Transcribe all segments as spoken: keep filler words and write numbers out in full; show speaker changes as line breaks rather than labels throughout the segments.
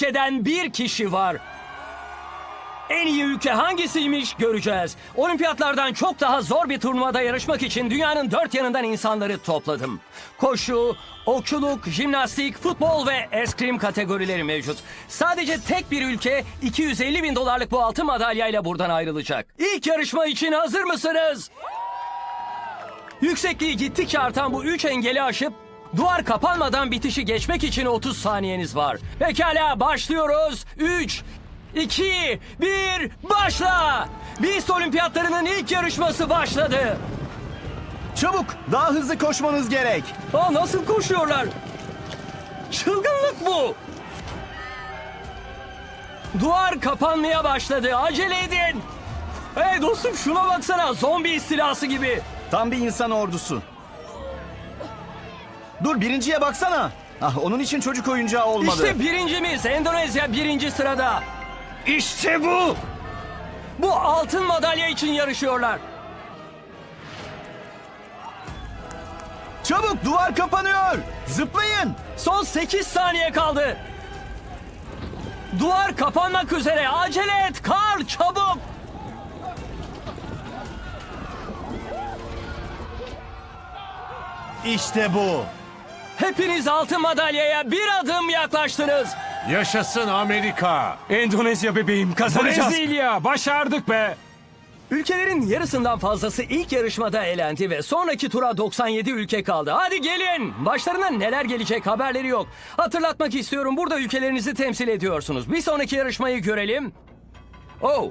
ülkeden bir kişi var. En iyi ülke hangisiymiş göreceğiz. Olimpiyatlardan çok daha zor bir turnuvada yarışmak için dünyanın dört yanından insanları topladım. Koşu, okçuluk, jimnastik, futbol ve eskrim kategorileri mevcut. Sadece tek bir ülke iki yüz elli bin dolarlık bu altın madalyayla buradan ayrılacak. İlk yarışma için hazır mısınız? Yüksekliği gittikçe artan bu üç engeli aşıp duvar kapanmadan bitişi geçmek için otuz saniyeniz var. Pekala, başlıyoruz. üç, iki, bir, başla! Beast Olimpiyatlarının ilk yarışması başladı.
Çabuk, daha hızlı koşmanız gerek.
Aa, nasıl koşuyorlar? Çılgınlık bu. Duvar kapanmaya başladı. Acele edin. Hey dostum, şuna baksana. Zombi istilası gibi.
Tam bir insan ordusu. Dur, birinciye baksana. Ah, onun için çocuk oyuncağı olmadı.
İşte birincimiz. Endonezya birinci sırada. İşte bu. Bu altın madalya için yarışıyorlar.
Çabuk, duvar kapanıyor. Zıplayın.
Son sekiz saniye kaldı. Duvar kapanmak üzere. Acele et. Karl, çabuk.
İşte bu.
Hepiniz altın madalyaya bir adım yaklaştınız.
Yaşasın Amerika.
Endonezya bebeğim, kazanacağız.
Brezilya, başardık be.
Ülkelerin yarısından fazlası ilk yarışmada elendi ve sonraki tura doksan yedi ülke kaldı. Hadi gelin. Başlarına neler gelecek haberleri yok. Hatırlatmak istiyorum, burada ülkelerinizi temsil ediyorsunuz. Bir sonraki yarışmayı görelim. Oh.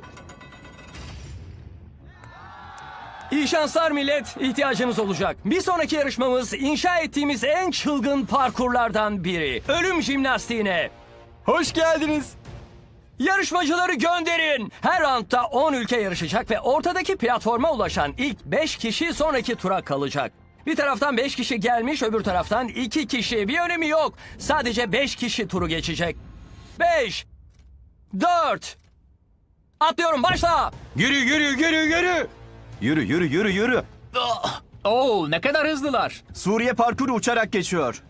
İyi şanslar millet, ihtiyacınız olacak. Bir sonraki yarışmamız inşa ettiğimiz en çılgın parkurlardan biri. Ölüm jimnastiğine.
Hoş geldiniz.
Yarışmacıları gönderin. Her roundda on ülke yarışacak ve ortadaki platforma ulaşan ilk beş kişi sonraki tura kalacak. Bir taraftan beş kişi gelmiş, öbür taraftan iki kişi. Bir önemi yok. Sadece beş kişi turu geçecek. beş, dört, atlıyorum, başla.
Yürü yürü yürü yürü.
Yürü, yürü, yürü, yürü.
Oo, ne kadar hızlılar.
Suriye parkuru uçarak geçiyor.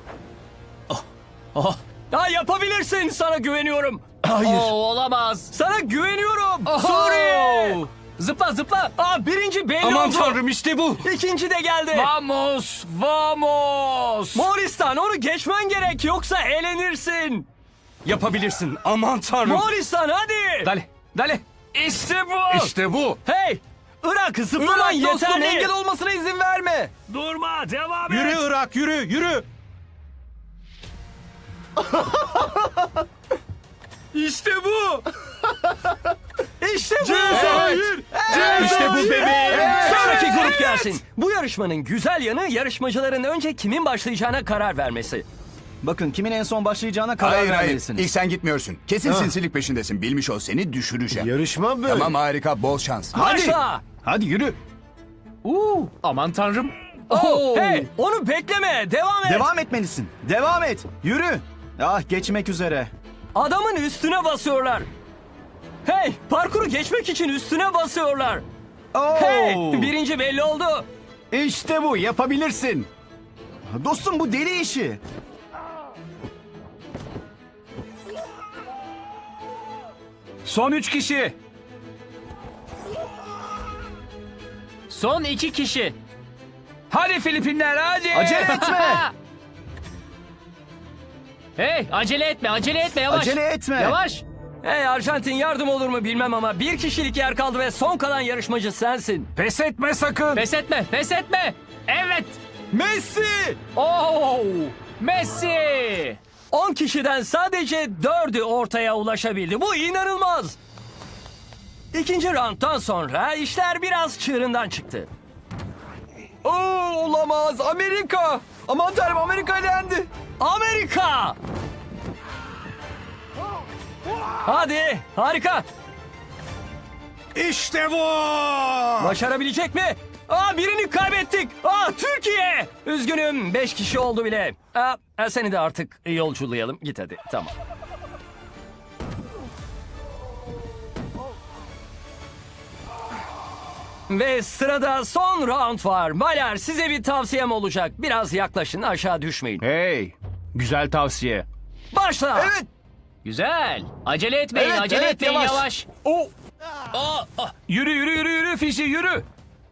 Ya yapabilirsin, sana güveniyorum.
Hayır.
Oo, olamaz.
Sana güveniyorum.
Oho!
Suriye.
Zıpla zıpla.
Aa, birinci belli
Aman
oldu.
tanrım, işte bu.
İkinci de geldi.
Vamos, vamos.
Moğolistan, onu geçmen gerek yoksa elenirsin.
Yapabilirsin. Aman tanrım.
Moğolistan, hadi.
Dale, dale. İşte bu.
İşte bu.
Hey, Irak, zıplaman
Irak dostum,
yeterli.
engel olmasına izin verme.
Durma, devam et.
Yürü Irak, yürü yürü.
İşte bu. İşte bu.
Hayır. İşte bu bebeğim.
Sonraki grup gelsin. Bu yarışmanın güzel yanı yarışmacıların önce kimin başlayacağına karar vermesi.
Bakın, kimin en son başlayacağına karar
Hayır hayır.
vermelisiniz.
İlk sen gitmiyorsun. Kesin sinsilik peşindesin. Bilmiş ol, seni düşüreceğim.
Yarışma böyle.
Tamam, harika, bol şans.
Hadi.
Başla.
Hadi yürü.
Uuu, aman tanrım.
Oh,
Oo.
hey, onu bekleme. Devam et.
Devam etmelisin. Devam et. Yürü. Ah, geçmek üzere.
Adamın üstüne basıyorlar. Hey, parkuru geçmek için üstüne basıyorlar.
Oo.
Hey, birinci belli oldu.
İşte bu, yapabilirsin. Dostum, bu deli işi.
Son üç kişi.
Son iki kişi.
Hadi Filipinler, hadi.
Acele etme.
Hey, acele etme, acele etme, yavaş.
Acele etme.
Yavaş.
Hey Arjantin, yardım olur mu bilmem ama bir kişilik yer kaldı ve son kalan yarışmacı sensin.
Pes etme sakın.
Pes etme, pes etme. Evet.
Messi.
Oo, Messi.
on kişiden sadece dördü ortaya ulaşabildi. Bu inanılmaz. İkinci rounddan sonra işler biraz çığırından çıktı.
Oo, olamaz. Amerika. Aman tanrım, Amerika elendi.
Amerika! Hadi, harika.
İşte bu.
Başarabilecek mi? Aa, birini kaybettik. Aa, Türkiye! Üzgünüm, beş kişi oldu bile. Aa, seni de artık yolculayalım. Git hadi, tamam. Ve sırada son round var. Baylar, size bir tavsiyem olacak. Biraz yaklaşın, aşağı düşmeyin.
Hey, güzel tavsiye.
Başla!
Evet.
Güzel. Acele etmeyin,
Evet,
acele
evet,
etmeyin
yavaş.
yavaş.
O. Yürü yürü yürü yürü Fişi yürü.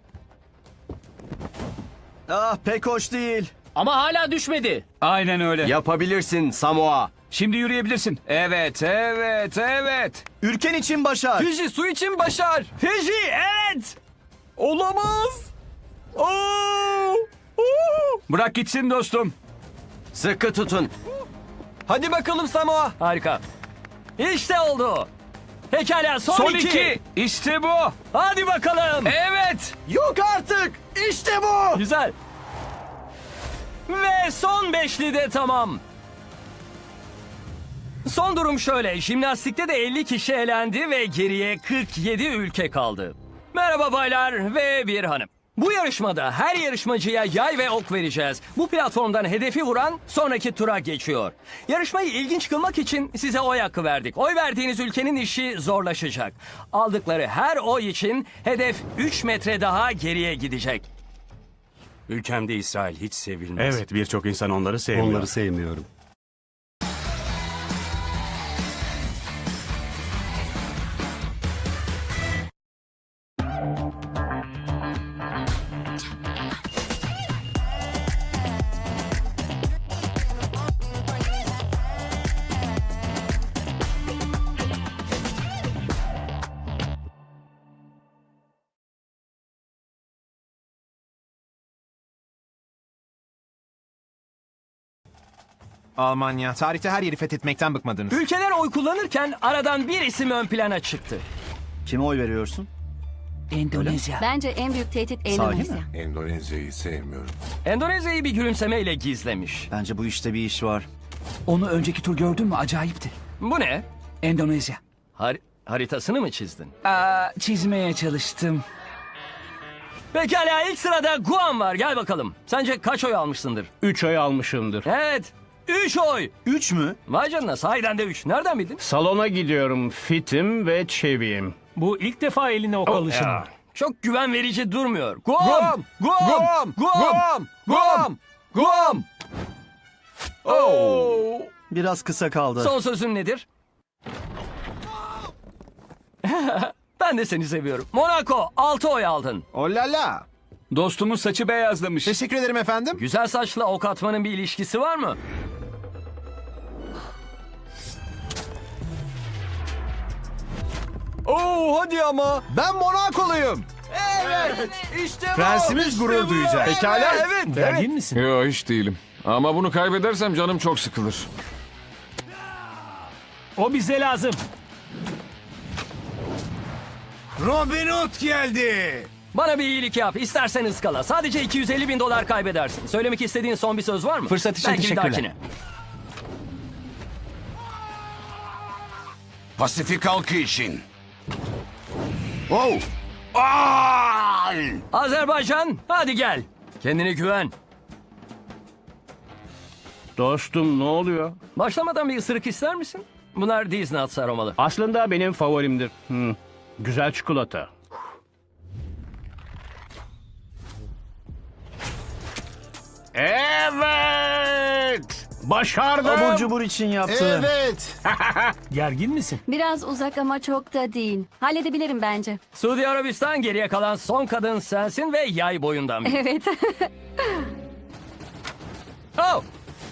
Ah pek hoş değil.
Ama hala düşmedi.
Aynen öyle.
Yapabilirsin Samoa.
Şimdi yürüyebilirsin. Evet evet evet.
Ülken için başar.
Fişi su için başar.
Fiji, evet.
Olamaz. Oo! Oo! Bırak gitsin dostum.
Sıkı tutun.
Hadi bakalım Samoa.
Harika. İşte oldu. Pekala son,
Son
iki.
iki. İşte bu.
Hadi bakalım.
Evet.
Yok artık. İşte bu.
Güzel. Ve son beşli de tamam. Son durum şöyle. Jimnastikte de elli kişi elendi ve geriye kırk yedi ülke kaldı. Merhaba baylar ve bir hanım. Bu yarışmada her yarışmacıya yay ve ok vereceğiz. Bu platformdan hedefi vuran sonraki tura geçiyor. Yarışmayı ilginç kılmak için size oy hakkı verdik. Oy verdiğiniz ülkenin işi zorlaşacak. Aldıkları her oy için hedef üç metre daha geriye gidecek.
Ülkemde İsrail hiç sevilmez.
Evet, birçok insan onları sevmiyor.
Onları sevmiyorum.
Almanya. Tarihte her yeri fethetmekten bıkmadınız.
Ülkeler oy kullanırken aradan bir isim ön plana çıktı.
Kime oy veriyorsun?
Bence en büyük tehdit
Sahi
Endonezya.
mi?
Endonezya'yı sevmiyorum.
Endonezya'yı bir gülümsemeyle gizlemiş.
Bence bu işte bir iş var.
Onu önceki tur gördün mü? Acayipti.
Bu ne?
Endonezya.
Har- haritasını mı çizdin?
Aa, çizmeye çalıştım.
Pekala ilk sırada Guam var. Gel bakalım. Sence kaç oy almışsındır?
Üç ay almışımdır.
Evet. üç oy.
Üç mü?
Vay canına sahiden de üç. Nereden bildin?
Salona gidiyorum, fitim ve çeviyim.
Bu ilk defa eline ok alışın.
Ya, çok güven verici durmuyor. Guam!
Guam!
Guam!
Guam! Guam! Guam! Oo!
Biraz kısa kaldı.
Son sözün nedir? Ben de seni seviyorum. Monaco altı oy aldın.
Olala.
Dostumuz saçı beyazlamış.
Teşekkür ederim efendim.
Güzel saçla ok atmanın bir ilişkisi var mı?
Oo hadi ama.
Ben Monakoluyum.
Evet. İşte bu.
Prensimiz gurur duyacak.
Pekala evet. Evet.
misin?
Yok hiç değilim. Ama bunu kaybedersem canım çok sıkılır.
O bize lazım.
Robin Hood geldi.
Bana bir iyilik yap. İstersen ıskala. Sadece iki yüz elli bin dolar kaybedersin. Söylemek istediğin son bir söz var mı?
Fırsat için
Belki bir
teşekkürler.
dahakine.
Pasifik halkı için. Oh! Ay!
Azerbaycan hadi gel. Kendine güven.
Dostum ne oluyor?
Başlamadan bir ısırık ister misin? Bunlar Disney Nuts aromalı.
Aslında benim favorimdir. Hmm, güzel çikolata. Evet! Başardım!
Abur cubur için yaptı.
Evet.
Gergin misin?
Biraz uzak ama çok da değil. Halledebilirim bence.
Suudi Arabistan geriye kalan son kadın sensin ve yay boyundan biri.
Evet.
Oh!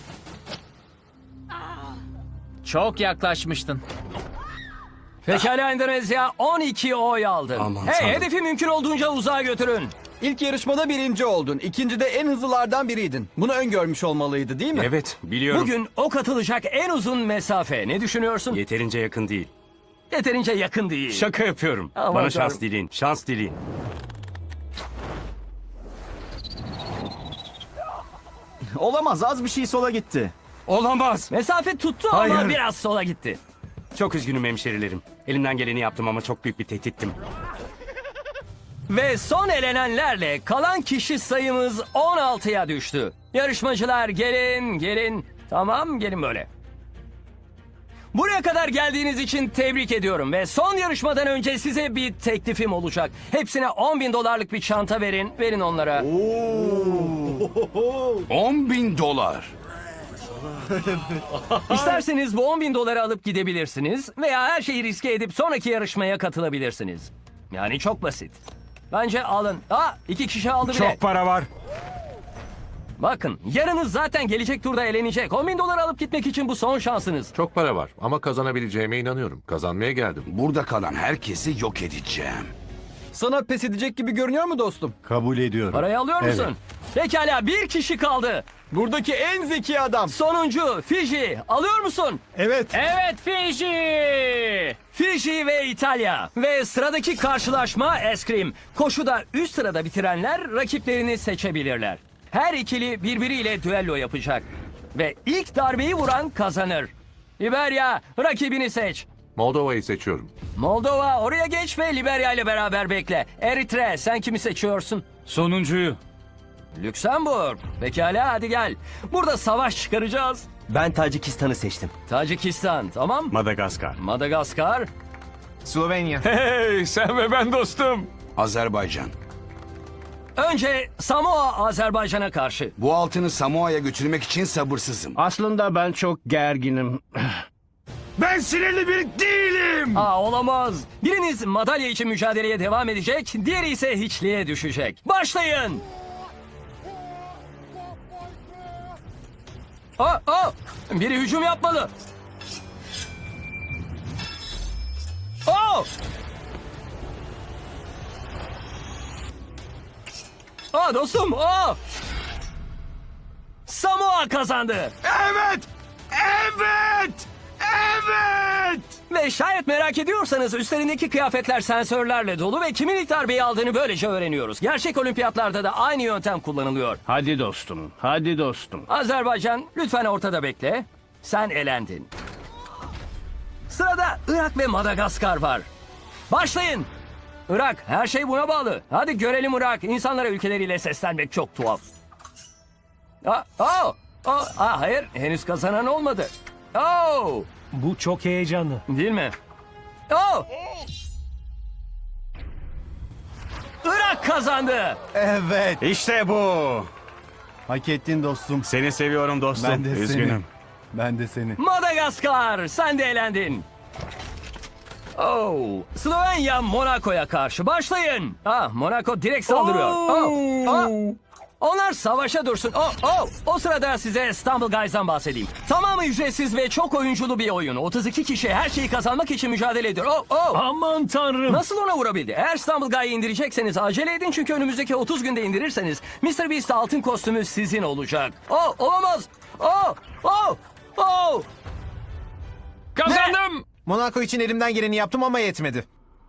Çok yaklaşmıştın.
Pekala Endonezya on iki oy aldı.
Aman
hey
tanrım.
hedefi mümkün olduğunca uzağa götürün.
İlk yarışmada birinci oldun. İkincide en hızlılardan biriydin. Bunu öngörmüş olmalıydı değil mi?
Evet, biliyorum.
Bugün ok atılacak en uzun mesafe. Ne düşünüyorsun?
Yeterince yakın değil.
Yeterince yakın değil.
Şaka yapıyorum.
Aman
Bana
tanrım.
şans dileyin. Şans dileyin.
Olamaz, az bir şey sola gitti.
Olamaz.
Mesafe tuttu ama
Hayır.
biraz sola gitti.
Çok üzgünüm hemşerilerim. Elimden geleni yaptım ama çok büyük bir tehdittim.
Ve son elenenlerle kalan kişi sayımız on altıya düştü. Yarışmacılar gelin gelin. Tamam gelin böyle. Buraya kadar geldiğiniz için tebrik ediyorum ve son yarışmadan önce size bir teklifim olacak. Hepsine on bin dolarlık bir çanta verin, verin onlara.
on bin dolar.
İsterseniz bu on bin doları alıp gidebilirsiniz veya her şeyi riske edip sonraki yarışmaya katılabilirsiniz. Yani çok basit. Bence alın. Aa, iki kişi aldı bile.
Çok para var.
Bakın, yarınız zaten gelecek turda elenecek. on bin dolar alıp gitmek için bu son şansınız.
Çok para var ama kazanabileceğime inanıyorum. Kazanmaya geldim.
Burada kalan herkesi yok edeceğim.
Sana pes edecek gibi görünüyor mu dostum?
Kabul ediyorum.
Parayı alıyor musun? Pekala, bir kişi kaldı.
Buradaki en zeki adam.
Sonuncu, Fiji. Alıyor musun?
Evet.
Evet Fiji.
Fiji ve İtalya. Ve sıradaki karşılaşma eskrim. Koşuda üst sırada bitirenler rakiplerini seçebilirler. Her ikili birbiriyle düello yapacak. Ve ilk darbeyi vuran kazanır. Liberya, rakibini seç.
Moldova'yı seçiyorum.
Moldova, oraya geç ve Liberya ile beraber bekle. Eritre, sen kimi seçiyorsun?
Sonuncuyu.
Lüksemburg. Pekala, hadi gel. Burada savaş çıkaracağız.
Ben Tacikistan'ı seçtim.
Tacikistan, tamam.
Madagaskar.
Madagaskar.
Slovenya.
Hey sen ve ben dostum.
Azerbaycan.
Önce Samoa Azerbaycan'a karşı.
Bu altını Samoa'ya götürmek için sabırsızım.
Aslında ben çok gerginim.
Ben sinirli biri değilim.
Aa, olamaz. Biriniz madalya için mücadeleye devam edecek, diğeri ise hiçliğe düşecek. Başlayın. Aa, aa, biri hücum yapmalı. Aa! Aa dostum, aa! Samoa kazandı.
Evet. Evet. Evet.
Ve şayet merak ediyorsanız üstlerindeki kıyafetler sensörlerle dolu ve kimin ilk darbeyi aldığını böylece öğreniyoruz. Gerçek olimpiyatlarda da aynı yöntem kullanılıyor.
Hadi dostum, hadi dostum.
Azerbaycan, lütfen ortada bekle. Sen elendin. Sırada Irak ve Madagaskar var. Başlayın. Irak, her şey buna bağlı. Hadi görelim Irak. İnsanlara ülkeleriyle seslenmek çok tuhaf. Aa, aa, aa, aa, hayır, henüz kazanan olmadı. Oh,
Bu çok heyecanlı.
değil mi? Oh! Irak kazandı.
Evet. İşte bu. Hak ettin dostum. Seni seviyorum dostum. Ben de Üzgünüm. Seni. Ben de seni.
Madagaskar, sen de elendin. Oh, Slovenya Monaco'ya karşı başlayın. Ah, Monaco direkt saldırıyor. Oh, ah. Onlar savaşa dursun. Oh, oh. O sırada size Stumble Guys'dan bahsedeyim. Tamamı ücretsiz ve çok oyunculu bir oyun. otuz iki kişi her şeyi kazanmak için mücadele ediyor. Oh, oh.
Aman tanrım.
Nasıl ona vurabildi? Eğer Stumble Guy'ı indirecekseniz acele edin çünkü önümüzdeki otuz günde indirirseniz mister Beast altın kostümü sizin olacak. Oh, olamaz. Oh, oh, oh.
Kazandım.
Monaco için elimden geleni yaptım ama yetmedi.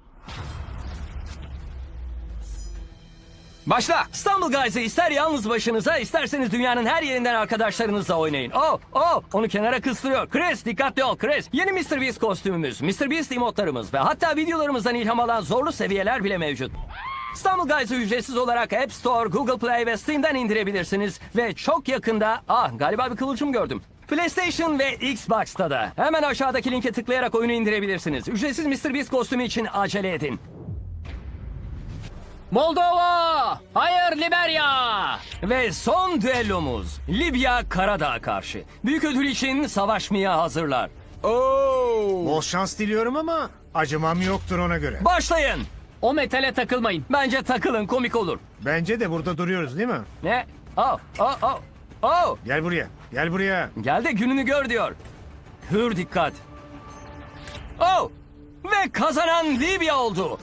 Başla. Stumble Guys'ı ister yalnız başınıza isterseniz dünyanın her yerinden arkadaşlarınızla oynayın. Oh, oh, onu kenara kıstırıyor. Chris, dikkatli ol Chris. Yeni mister Beast kostümümüz, mister Beast emotlarımız ve hatta videolarımızdan ilham alan zorlu seviyeler bile mevcut. Stumble Guys'ı ücretsiz olarak App Store, Google Play ve Steam'den indirebilirsiniz. Ve çok yakında, ah galiba bir kıvılcım gördüm. PlayStation ve Xbox'ta da. Hemen aşağıdaki linke tıklayarak oyunu indirebilirsiniz. Ücretsiz mister Beast kostümü için acele edin.
Moldova. Hayır Liberya.
Ve son düellomuz Libya Karadağ'a karşı. Büyük ödül için savaşmaya hazırlar.
Bol şans diliyorum ama acımam yoktur ona göre.
Başlayın.
O metale takılmayın.
Bence takılın, komik olur.
Bence de burada duruyoruz değil mi?
Ne? Oh, oh, oh, oh.
Gel buraya. Gel buraya.
Gel de gününü gör diyor. Hür dikkat. Oh! Ve kazanan Libya oldu.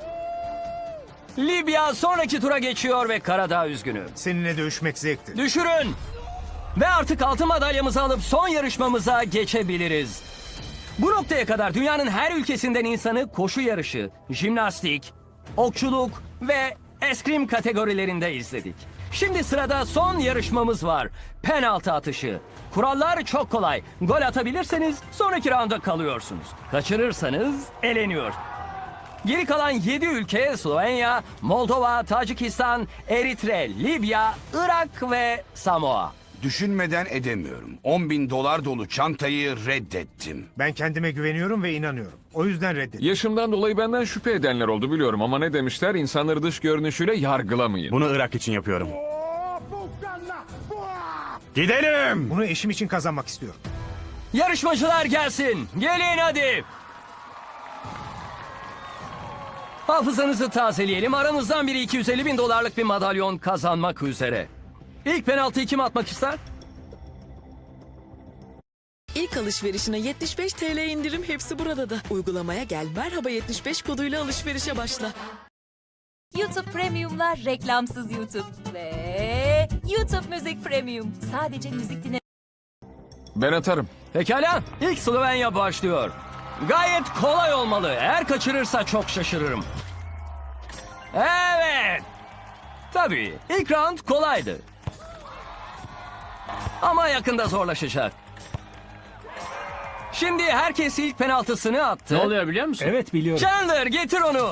Libya sonraki tura geçiyor ve Karadağ üzgünü.
Seninle dövüşmek zevkti.
Düşürün. Ve artık altın madalyamızı alıp son yarışmamıza geçebiliriz. Bu noktaya kadar dünyanın her ülkesinden insanı koşu yarışı, jimnastik, okçuluk ve eskrim kategorilerinde izledik. Şimdi sırada son yarışmamız var. Penaltı atışı. Kurallar çok kolay. Gol atabilirseniz sonraki rounda kalıyorsunuz. Kaçırırsanız eleniyor. Geri kalan yedi ülke Slovenya, Moldova, Tacikistan, Eritre, Libya, Irak ve Samoa.
Düşünmeden edemiyorum. on bin dolar dolu çantayı reddettim.
Ben kendime güveniyorum ve inanıyorum. O yüzden reddet.
Yaşımdan dolayı benden şüphe edenler oldu biliyorum ama ne demişler? İnsanları dış görünüşüyle yargılamayın.
Bunu Irak için yapıyorum. Gidelim.
Bunu eşim için kazanmak istiyorum.
Yarışmacılar gelsin. Gelin hadi. Hafızanızı tazeleyelim. Aranızdan biri iki yüz elli bin dolarlık bir madalyon kazanmak üzere. İlk penaltıyı kim atmak ister?
İlk alışverişine yetmiş beş TL indirim hepsi burada da. Uygulamaya gel merhaba yetmiş beş koduyla alışverişe başla.
YouTube Premium'lar reklamsız YouTube. Ve YouTube Müzik Premium. Sadece müzik dinle.
Ben atarım.
Pekala. İlk Slovenya başlıyor. Gayet kolay olmalı. Eğer kaçırırsa çok şaşırırım. Evet. Tabii. İlk round kolaydı. Ama yakında zorlaşacak. Şimdi herkes ilk penaltısını attı.
Ne oluyor biliyor musun? Evet biliyorum.
Chandler getir onu.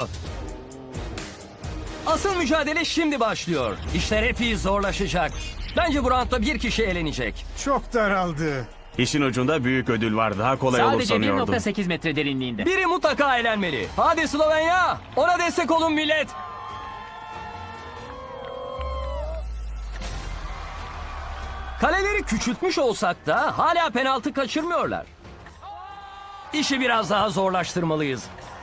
Asıl mücadele şimdi başlıyor. İşler epey zorlaşacak. Bence bu roundda bir kişi elenecek.
Çok daraldı.
İşin ucunda büyük ödül var. Daha kolay olur
Sadece bir
sanıyordum.
nokta sekiz metre derinliğinde.
Biri mutlaka elenmeli. Hadi Slovenya. Ona destek olun millet. Kaleleri küçültmüş olsak da hala penaltı kaçırmıyorlar. İşi biraz daha zorlaştırmalıyız.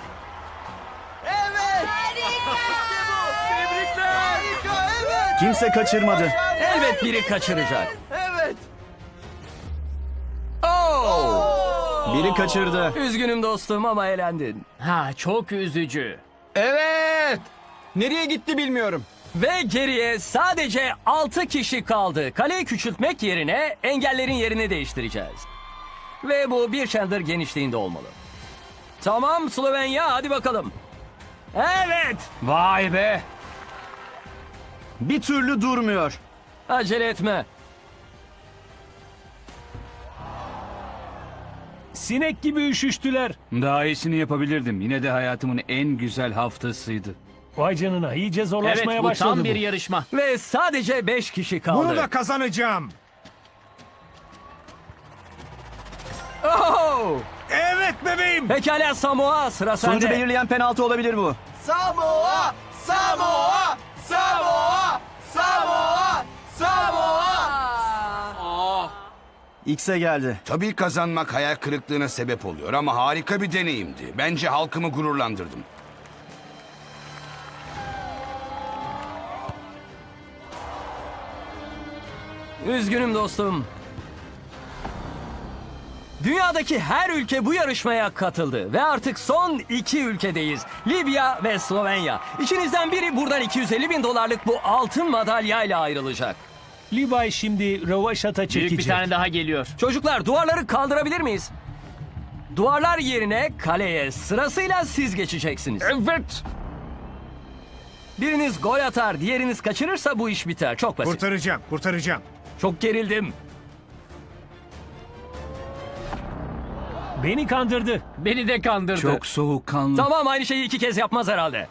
Kimse kaçırmadı.
Elbet biri kaçıracak. Evet. Oh!
Biri kaçırdı.
Üzgünüm dostum ama elendin.
Ha çok üzücü.
Evet. Nereye gitti bilmiyorum.
Ve geriye sadece altı kişi kaldı. Kaleyi küçültmek yerine engellerin yerini değiştireceğiz. Ve bu bir Chandler genişliğinde olmalı. Tamam Slovenya hadi bakalım. Evet.
Vay be.
Bir türlü durmuyor.
Acele etme.
Sinek gibi üşüştüler.
Daha iyisini yapabilirdim. Yine de hayatımın en güzel haftasıydı.
Vay canına iyice Evet zorlaşmaya
bu
başladı
tam
bu.
bir yarışma.
Ve sadece beş kişi kaldı.
Bunu da kazanacağım.
Oh!
Evet bebeğim.
Pekala Samoa sıra
Sonucu
sende.
belirleyen penaltı olabilir bu. Samoa! Samoa! Samoa! Samoa! Samoa! X'e geldi.
Tabii kazanmak hayal kırıklığına sebep oluyor ama harika bir deneyimdi. Bence halkımı gururlandırdım.
Üzgünüm dostum. Dünyadaki her ülke bu yarışmaya katıldı ve artık son iki ülkedeyiz. Libya ve Slovenya. İçinizden biri buradan iki yüz elli bin dolarlık bu altın madalyayla ayrılacak.
Libay şimdi rövaşata çekecek.
Büyük bir tane daha geliyor.
Çocuklar duvarları kaldırabilir miyiz? Duvarlar yerine kaleye sırasıyla siz geçeceksiniz.
Evet.
Biriniz gol atar, diğeriniz kaçırırsa bu iş biter. Çok basit.
Kurtaracağım, kurtaracağım.
Çok gerildim.
Beni kandırdı.
Beni de kandırdı.
Çok soğukkanlı.
Tamam aynı şeyi iki kez yapmaz herhalde.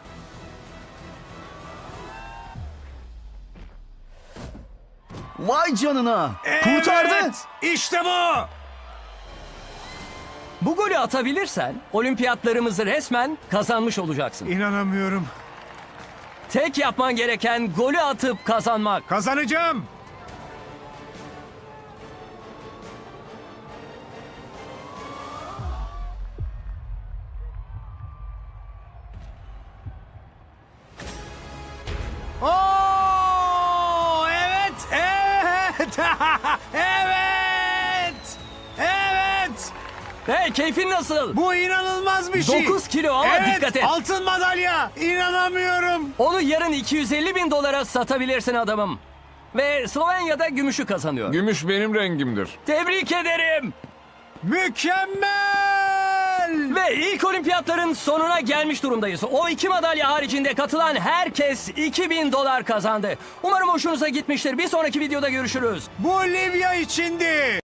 Vay canına.
Kurtardı. İşte bu.
Bu golü atabilirsen olimpiyatlarımızı resmen kazanmış olacaksın.
İnanamıyorum.
Tek yapman gereken golü atıp kazanmak.
Kazanacağım. Oo, evet, evet, evet, evet.
Hey keyfin nasıl?
Bu inanılmaz bir şey.
dokuz kilo ama
evet,
dikkat et.
altın madalya. İnanamıyorum.
Onu yarın iki yüz elli bin dolara satabilirsin adamım. Ve Slovenya'da gümüşü kazanıyor.
Gümüş benim rengimdir.
Tebrik ederim.
Mükemmel.
Ve ilk olimpiyatların sonuna gelmiş durumdayız. O iki madalya haricinde katılan herkes iki bin dolar kazandı. Umarım hoşunuza gitmiştir. Bir sonraki videoda görüşürüz.
Bu Libya içindi.